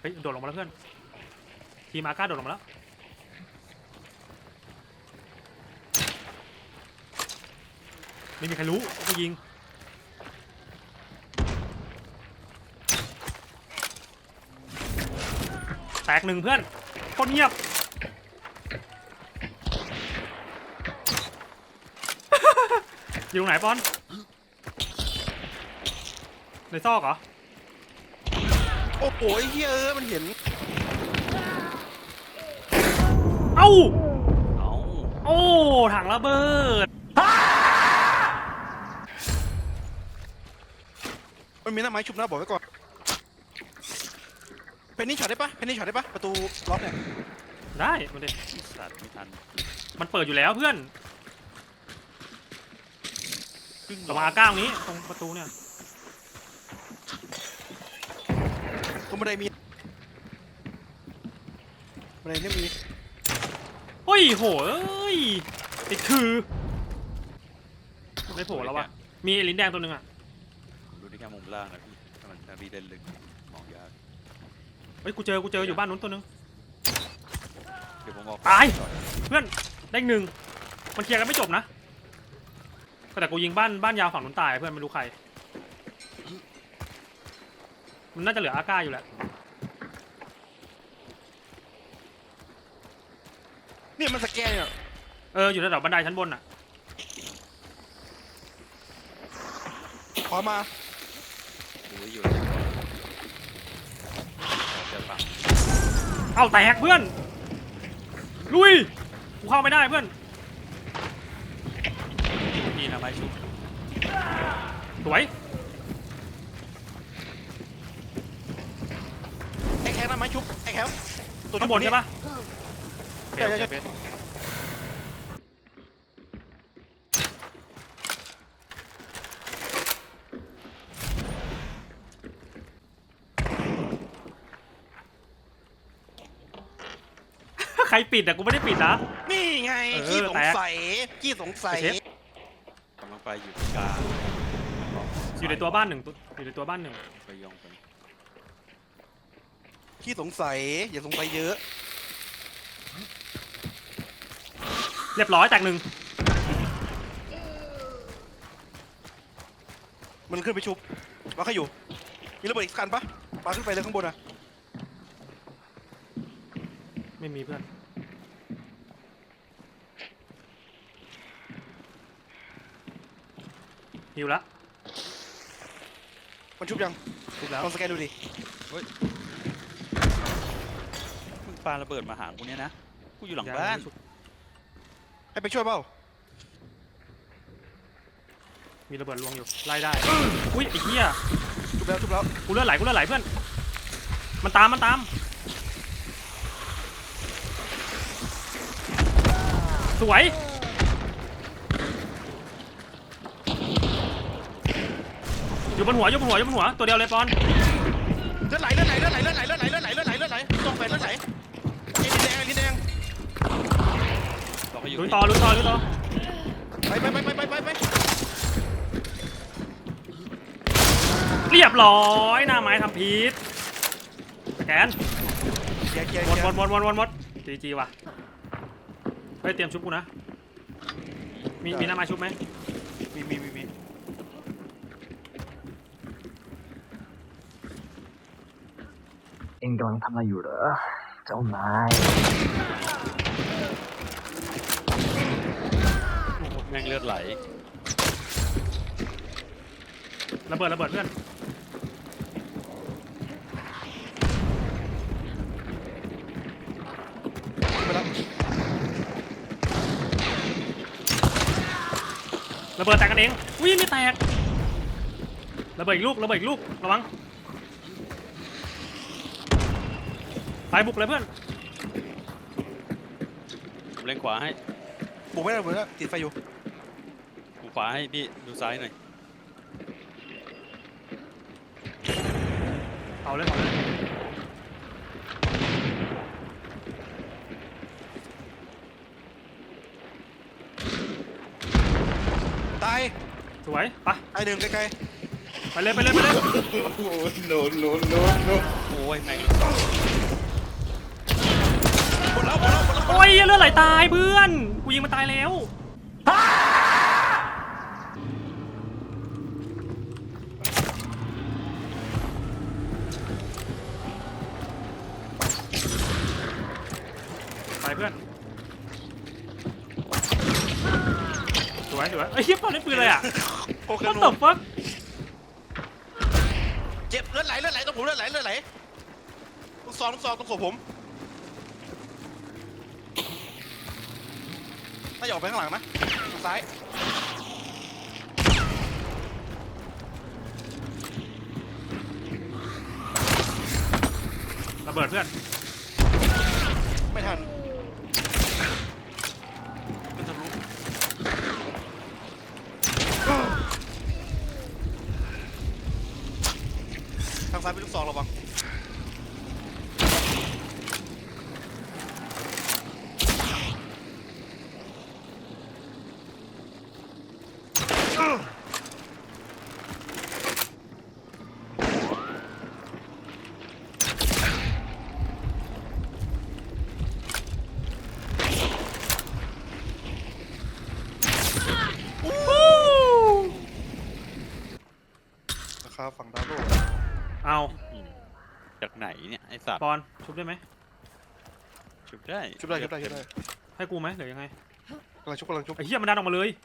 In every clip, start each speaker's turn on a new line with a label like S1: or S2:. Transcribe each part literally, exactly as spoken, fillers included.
S1: ฮ้ยโดดลงมาแล้วเพื่อนทีมอาก้าโดดลงมาแล้วไม่มีใครรู้ก็ยิงแตกหนึ่งเพื่อนโคตรเงียบ อยู่ตรงไหนปอนในซอกเหรอ
S2: โอ้โหไอ้เหี้ยเออมันเห็น
S1: เอ้า
S3: เอ้า
S1: โอ้ถังระเบิด
S2: มันมีหน้าไม้ชุบหน้าบอกไว้ก่อนเพนนี่ช็อตได้ปะเพนนี่ช็อตได้ปะประตูล็อกเนี่ย
S1: ได้มาดิ
S3: สัตว์ไม่ทัน
S1: มันเปิดอยู่แล้วเพื่อนระวังอาก้าตรงนี้ตรงประตูเนี่ย
S2: ตรงบันไดมีบันไดเนี่ยมี
S1: เฮ้ยโหเอ้ยติดคือไม่โผล่แล้ววะมีลิ้นแดงตัวหนึ่งอ่ะ
S3: ดูที่แค่มุมล่างนะพี่ถ้ามันถ้าพี่เล่นลึกมองยาก
S1: เฮ้ยกูเจอกูเจออยู่บ้านนู้นตัวหนึ่ง
S3: เดี๋ยวผมบอก
S1: ตายเพื่อนได้หนึ่งมันเคลียร์กันไม่จบนะก็แต่กูยิงบ้านบ้านยาวฝั่งนู้นตายเพื่อนไม่รู้ใครมันน่าจะเหลืออาก้าอยู่แหละ
S2: เนี่ยมันสแกนเนี่ย
S1: เอออยู่ระดับบันไดชั้นบนอ่ะ
S2: ขอมา
S3: ดูอยู่จะปัง
S1: เอาแตกเพื่อนลุยกูเข้าไม่ได้เพื่อน
S3: พี่นะไม้ชุบ
S1: สวย
S2: ไอ้แคทหน้าไม้ชุบไอ้แคท
S1: ตัวข้างบนใช่ปะ
S2: ใช่ใช่ใช่
S1: ใครปิดอ่ะกูไม่ได้ปิดนะ
S2: นี่ไงขี้สงสัยขี้สงสัย
S3: กำลังไปอยู่กลาง
S1: อยู่ในตัวบ้านหนึ่งอยู่ในตัวบ้านหนึ่ง
S3: ไปยองไป
S2: ขี้สงสัยอย่าสงสัยเยอะ
S1: เรียบร้อยแตกหนึ่ง
S2: มันขึ้นไปชุบว่าเขาอยู่มีระเบิดอีกคันปะปาขึ้นไปเลยข้างบนอะ
S1: ไม่มีเพื่อนหิวละ
S2: มันชุบยัง
S1: ชุบแล้ว
S2: ลองสแกนดูดิ
S3: เฮ้ยมึงปาระเบิดมาหากูเนี้ยนะกูอยู่หลังบ้าน
S2: ให้ไปช่วยเปล่า
S1: มีระเบิดลวงอยู่ไล่ได้อุ้ยไอ้เหี้ย
S2: ชุบแล้วชุบแล้ว
S1: กูเลือดไหลกูเลือดไหลเพื่อนมันตามมันตามสวยอยู่บนหัวอยู่บนหัวอยู่บนหัวตัวเดียวเลยปอน
S2: เลือดไหลเลือดไหลเลือดไหลเลือดไหลเลือดไหลเลือดไหลเลือดไหลเลือดไหลต้องไปเลือดไหลไอ้ลิ้นแดงไอ้ลิ้นแดง
S1: ลุยต่อลุยต่อลุยต่อ
S2: ไปไปไปไปไปไป
S1: เรียบร้อยหน้าไม้ทำพีทแกนหมดหมดหมดหมดหมดหมดจีจีว่ะเฮ้ยเตรียมชุบกูนะมีมีหน้าไม้ชุบไหม
S2: มีมีมีมี
S4: เอ็งกำลังทำอะไรอยู่เหรอเจ้านาย
S3: แม่งเลือดไหล
S1: ระเบิดระเบิดเพื่อนระเบิดแตกกันเองอุ้ยไม่แตกระเบิดอีกลูกระเบิดอีกลูกระวังไปบุกเลยเพื่อน
S3: ผมเล่นขวาให้
S2: บุกไม่ได้บุกไม่ได้ติดไฟอยู่
S3: กูขวาให้พี่ดูซ้ายหน่อย
S1: เอาเลยเอาเลย
S2: ตาย
S1: สวยไป
S2: ไอเดินไกล
S1: ๆไปเลยไปเลยไปเลย
S2: โอ้โหโนโนโนโน
S3: โอ้อ้ยแม่ง
S2: หมดแล้วหมดแล้วหมดแล้ว
S1: โอ้ยเลือดไหลตายเพื่อนกูยิงมันตายแล้วไปเพื่อนสวยสวยไอ้เหี้ยปอนได้ปืนอะไรอ่ะ
S2: โอเค
S1: What the fuck
S2: เจ็บเลือดไหลเลือดไหลตรงผมเลือดไหลเลือดไหลลูกซองลูกซองตรงศพผมน่าจะออกไปข้างหลังนะทางซ้าย
S1: ระเบิดเพื่อน
S2: ไม่ทันเป็นทะลุทางซ้ายเป็นลูกซองระวังนะครับฝั่งดาวโลก
S1: เอา
S3: จากไหนเนี่ยไอ้สัตว์
S1: ปอนชุบได้ไหม
S3: ชุบได้
S2: ชุบได้ชุบได้ชุบได้
S1: ให้กูไหมหรือยังไง
S2: กำลังชุบกำลังชุบ
S1: ไอ้เหี้ยมันดันออกมาเลย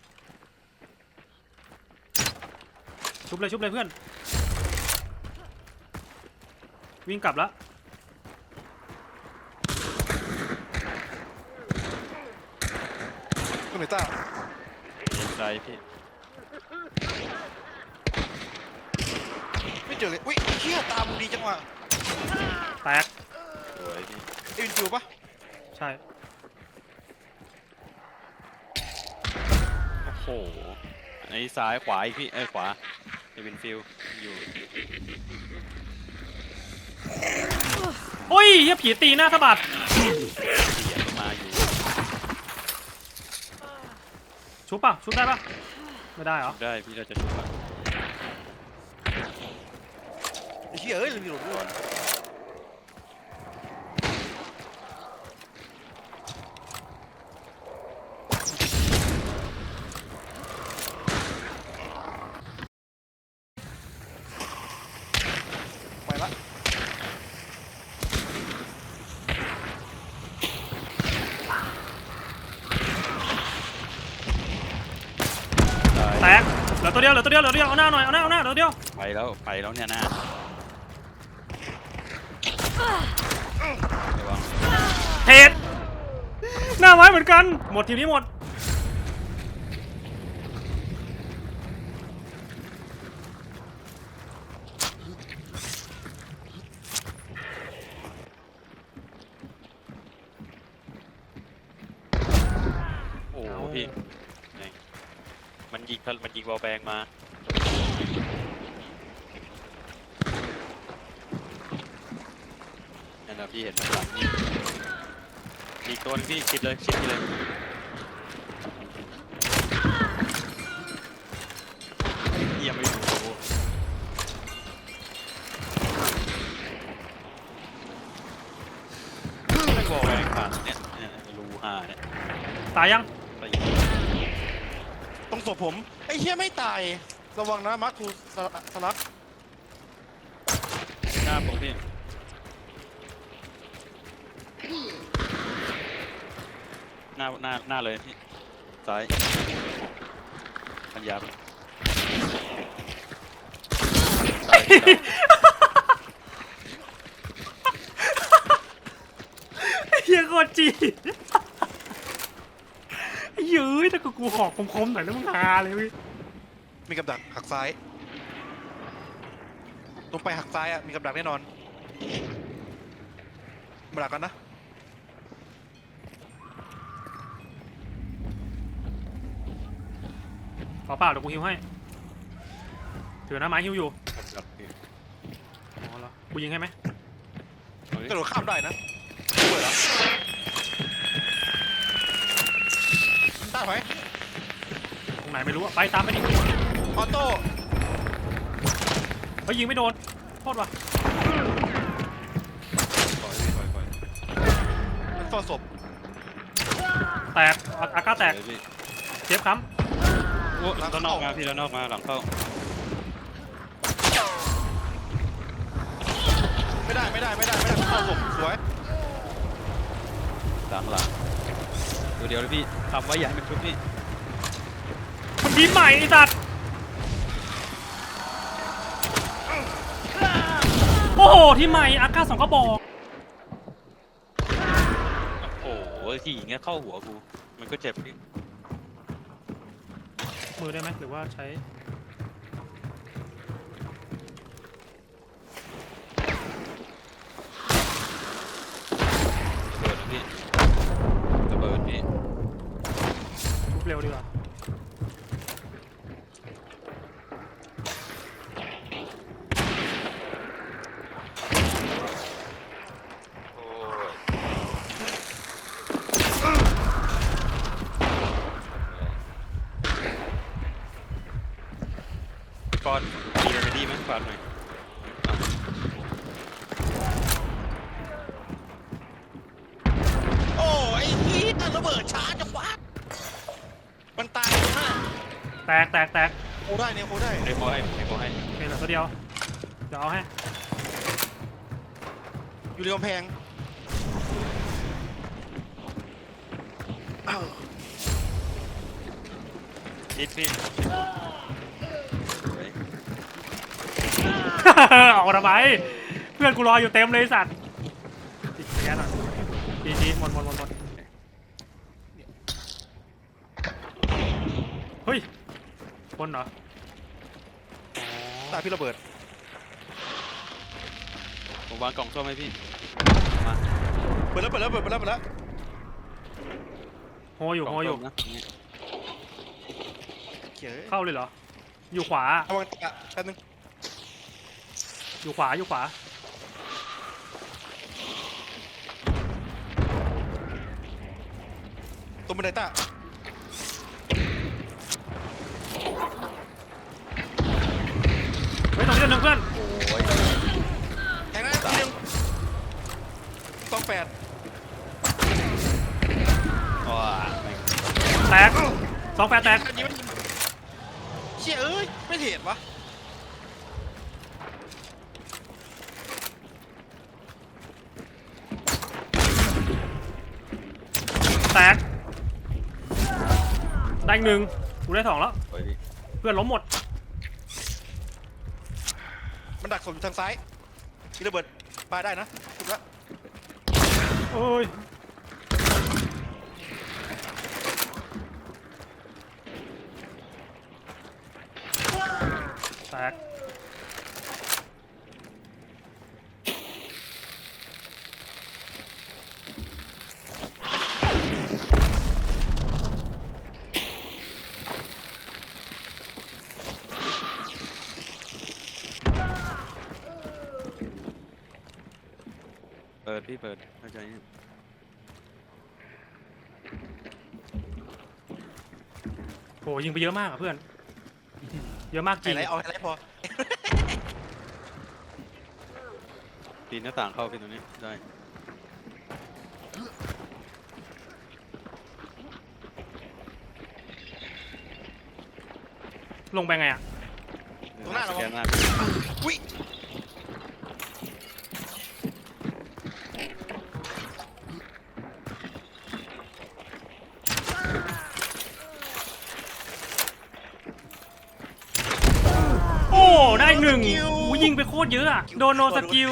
S1: ชุบเลยชุบเลยเพื่อนวิ่งกลับแล้ว
S2: คุณเนต้า
S3: เอ็นไซพี่
S2: ไม่เจอเลยอุ้ยเฮียตามึงดีจังวะ
S1: แตก
S3: สวยพี่
S2: เอ็นฟิวปะ
S1: ใช่
S3: โอ้โหไอ้ซ้ายขวาอีกพี่เอ้ยขวาไอ้วินฟิลอยู่
S1: โอ้ยเหี้ยผีตีหน้าสะบัด
S3: เสียงมาอยู่
S1: ชุบป่ะชุบได้ป่ะไม่ได้เหรอ
S3: ชุบได้พี่เราจะชุบอะ
S2: ไอ้เฮียเอ้ยลืมหลุดด้วยไปละ
S3: ตาย
S1: แตกเหลือตัวเดียวเหลือตัวเดียวเหลือตัวเดียวเอาหน้าหน่อยเอาหน้าเอาหน้าเหลือตัวเดียว
S3: ไปแล้วไปแล้วเนี่ยนะระวัง
S1: เทดหน้าไม้เหมือนกันหมดทีมนี้หมด
S3: โอ้โหพี่ไหนมันยิงมันยิงวอลแบงมานั่นนะพี่เห็นมันหลังนี่อีกตัวนึงพี่ชิดเลยชิดเลยเยี่ยมไม่รู้ไม่วอลแบงผ่านเนี่ยเนี่ยรูห้าเนี่ย
S1: ตายยัง
S3: ไป
S2: ตรงศพผมไอ้เฮียไม่ตายระวังนะมาร์คทูสลัก
S3: หน้าผมพี่หน้าหน้าหน้าเลยพี่ซ้ายปัญญาพี่ซ้ายพี่
S1: เฮียโคตรจีเย้ยแต่กูกูหอกคมๆหน่อยแล้วมึงฮาเลยเว้ย
S2: มีกับดักหักซ้ายตรงไปหักซ้ายอ่ะมีกับดักแน่นอนมาดักกันนะ
S1: ขอเปล่าเดี๋ยวกูฮิวให้ถือหน้าไม้ฮิวอยู่
S3: ครับพี่
S1: อ๋อเหรอกูยิงให้ไหม
S3: เอาดิ
S2: กระโดดข้ามได้นะเปิดแล้วต้าถอย
S1: ตรงไหนไม่รู้อะไปตามไปดิ
S2: ออโต้
S1: เฮ้ยยิงไม่โดนโทษว่ะ
S2: ฝ้าศพ
S1: แตกอาอาก้าแตก
S3: เลยพี่
S1: เจ็บค้
S3: โอ้ด้านนอกมาพี่ด้านนอกมาหลังเข้า
S2: ไม่ได้ไม่ได้ไม่ได้ไม่ได้เฝ้าศพสวย
S3: หลังหลังตัวเดียวเลยพี่ทำไว้อย่าให้มันชุบพี่
S1: ำมันทีมใหม่ไอ้สัตว์โอ้โหทีมใหม่อาก้าสองกระบอก
S3: โอ้โหที่อย่างเงี้ยเข้าหัวกูมันก็เจ็บพี่
S1: มือได้ไหมหรือว่าใช้
S3: ระเบิดนะพี่ระเบิดพี่
S1: ทุบเร็วดีกว่า
S3: โอ้ยก่อนดีเลยดีไหมฝากหน่อย
S2: โอ้ไอ้ฮีทระเบิดช้าจังวะมันตายเลยนะ
S1: แตกแตกแตก
S2: โคได้เนี่ยโคได้
S3: เดโมให้เดโมให้
S1: เป็นเหลือตัวเดียวเดี๋ยวเอาให้
S2: อยู่ในกำแพงอ้าว
S3: อิดพี่
S1: ออกทำไมเพื่อนกูรออยู่เต็มเลยไอ้สัตว์ติดแก๊สหน่อยจีจีหมดหมดหมดหมดเฮ้ยคนเหรอ
S2: ตายพี่ระเบิด
S3: ผมวางกล่องส้มให้พี่มา
S2: เปิดแล้วเปิดแล้วเปิดแล้วเปิดแล้ว
S1: โฮอยู่
S3: กล่
S1: โฮ
S3: ง
S1: อยู่
S3: ส้มนะนี่
S2: เขีย
S1: เข้าเลยเหรออยู่ขวา
S2: ระวังตะแป๊บนึง
S1: อยู่ขวาอยู่ขวา
S2: ตรงบันไดตา
S1: เฮ้ยตรงนี้ตัวหนึ่งเพื่อน
S3: โอ้ย
S2: แทงนะทีนึงต้องแปด
S3: ว้าแม่ง
S1: แตกสองแปดแตก
S2: ยิงไม่ยิงเชี่ยเอ้ยไม่เห็นวะ
S1: แตกได้อีกหนึ่งกูได้สองแล้ว
S3: โอ้ยพี่
S1: เพื่อนล้มหมด
S2: มันดักศพอยู่ทางซ้ายมีระเบิดปาได้นะถูกแล้ว
S1: โอ้ยแตก
S3: เปิดพี่เปิดเข้าใจเนี่ย
S1: โหยิงไปเยอะมากอะเพื่อนเยอะมากจ
S2: ไฮ
S1: ริง
S2: ไลท์เอาไฮไลท์พอ
S3: ปีนหน้าต่างเข้าพี่ตรงนี้ได้
S1: ลงไปไงอะ
S2: ตรงหน้าเรา
S3: สแกนหน้า
S2: อุ้ย
S1: โอ้ได้หนึ่งโอ้ยิงไปโคตรเยอะอะโดนโนสกิล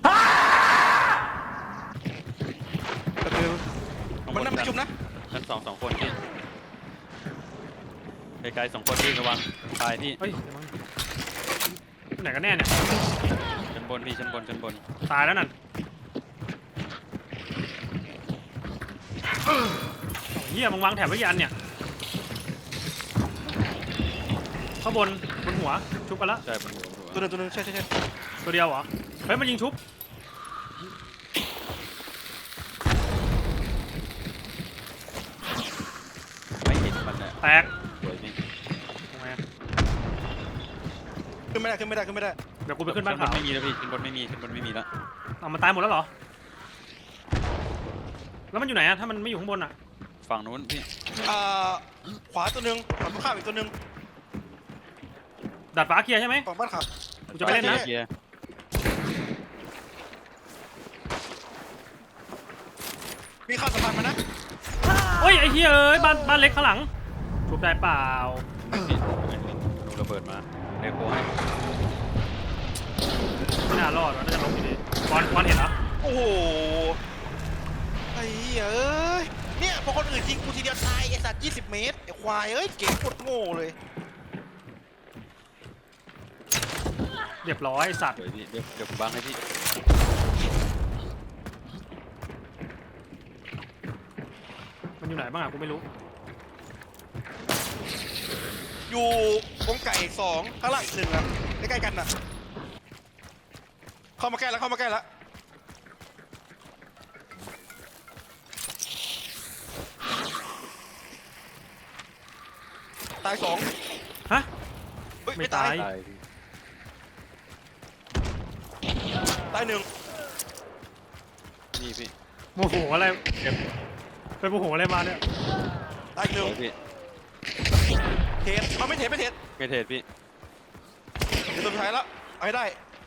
S2: มันนั่งประชุมนะ
S3: ชั้นสองสองคนพี่ไกลๆสองคนพี่ระวังตายพี่
S1: เฮ้ยเดี๋ยวมั้งที่ไหนกันแน่เนี่ย
S3: ชั้นบนพี่ชั้นบนชั้นบน
S1: ตายแล้วนั่นเฮียมึงวางแถบไว้ยันเนี่ยข้างบนบนหัวชุบกันแล้ว
S3: ใช่บนหัวบนหัว
S2: ตัวหนึงตัวหนึงใช่ใช่ใช่
S1: ตัวเดียวเหรอเฮ้ยมันยิงชุบ
S3: ไม่เห็นมันเนี่ย
S1: แตก
S3: สวยพี่
S1: ทำไมอะ
S2: ขึ้นไม่ได้ขึ้นไม่ได้ขึ้นไม่ได้
S1: เดี๋ยวกูไปขึ้นบ้าน
S3: ชั้บ
S1: ขาน ว
S3: ไม่มีแล้วพี่ชั้นบนไม่มีชั้นบนไม่มีแล้ว
S1: เอามันตายหมดแล้วเหรอแล้วมันอยู่ไหนอะถ้ามันไม่อยู่ข้างบนอะ
S3: ฝั่งนู้นพี่
S2: อ่าขวาตัวหนึ่งฝั่งตรงข้ามอีกตัวหนึ่ง
S1: ดัดฟ้าเคลียร์ใช่ไหม
S2: ฝั่งบ้านขับ
S1: กูจะไปเล่นนะ
S3: เคลียร์
S2: มีข้ามสะพานมานะ
S1: โอ้ยไอ้เหี้ยเอ้ยบ้านบ้านเล็กข้างหลังชุบได้เปล่า
S3: พี่ดูระเบิดมาเด็กโคให้
S1: ไม่น่ารอดว่ะน่าจะล้มอยู่ดีบอลบอลเห็นเหรอ
S2: โอ้โหไอ้เหี้ยเอ้ยเนี่ยพอคนอื่นยิงกูทีเดียวตายไอ้สัตว์ยี่สิบเมตรไอ้ควายเอ้ยเก๋กดโง่เลย
S1: เรียบร้อยไอ้สัตว์
S3: เดี๋ยวพี่เดี๋ยวเดี๋ยวผมบังให้พี่
S1: มันอยู่ไหนบ้างอะกูไม่รู้
S2: อยู่วงไก่สองข้างล่างอีกหนึ่งอะใกล้ๆกันน่ะเข้ามาใกล้แล้วเข้ามาใกล้แล้วตายสอง
S1: ฮะ
S2: เฮ้ย
S1: ไม่
S2: ไม่ตาย
S1: ตาย
S3: ตายพี่
S2: ตายหนึ่ง
S3: นี่พี่
S1: โมโหอะไรไปโมโหอะไรมาเนี่ย
S2: ตายอีกห
S3: ส
S2: นึ่ง
S3: วยพี่
S2: เทสเอาไม่เทสไม่เทส
S3: ไม่เทศพี่
S2: เดี๋ยวตัวสุดท้ายแล้วเอาให้ได้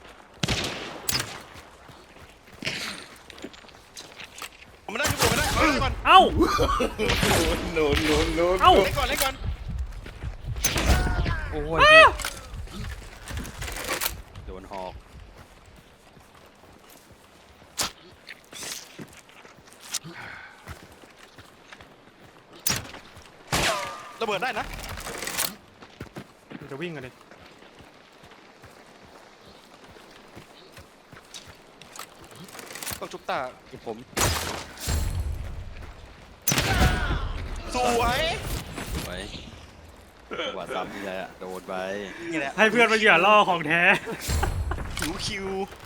S2: ผมไม่ได้ชุบผมไม่ได้เอาเล่นก่อน
S1: เอ้า
S5: โนโนโน
S1: เอ้า
S2: เล่นก่อนเล่นก่อน
S3: โอ้ยพี่โดนหอก
S2: ระเบิดได้นะ
S1: มันจะวิ่งกันดิ
S2: ต้องชุบตา
S3: คือผม
S2: สวย
S3: ไว้จังหวะซ้ำนี่แหละโดนไป
S2: นี่แหละ
S1: ให้เพื่อนมาเหยื่อล่อของแท้
S2: คิวคิว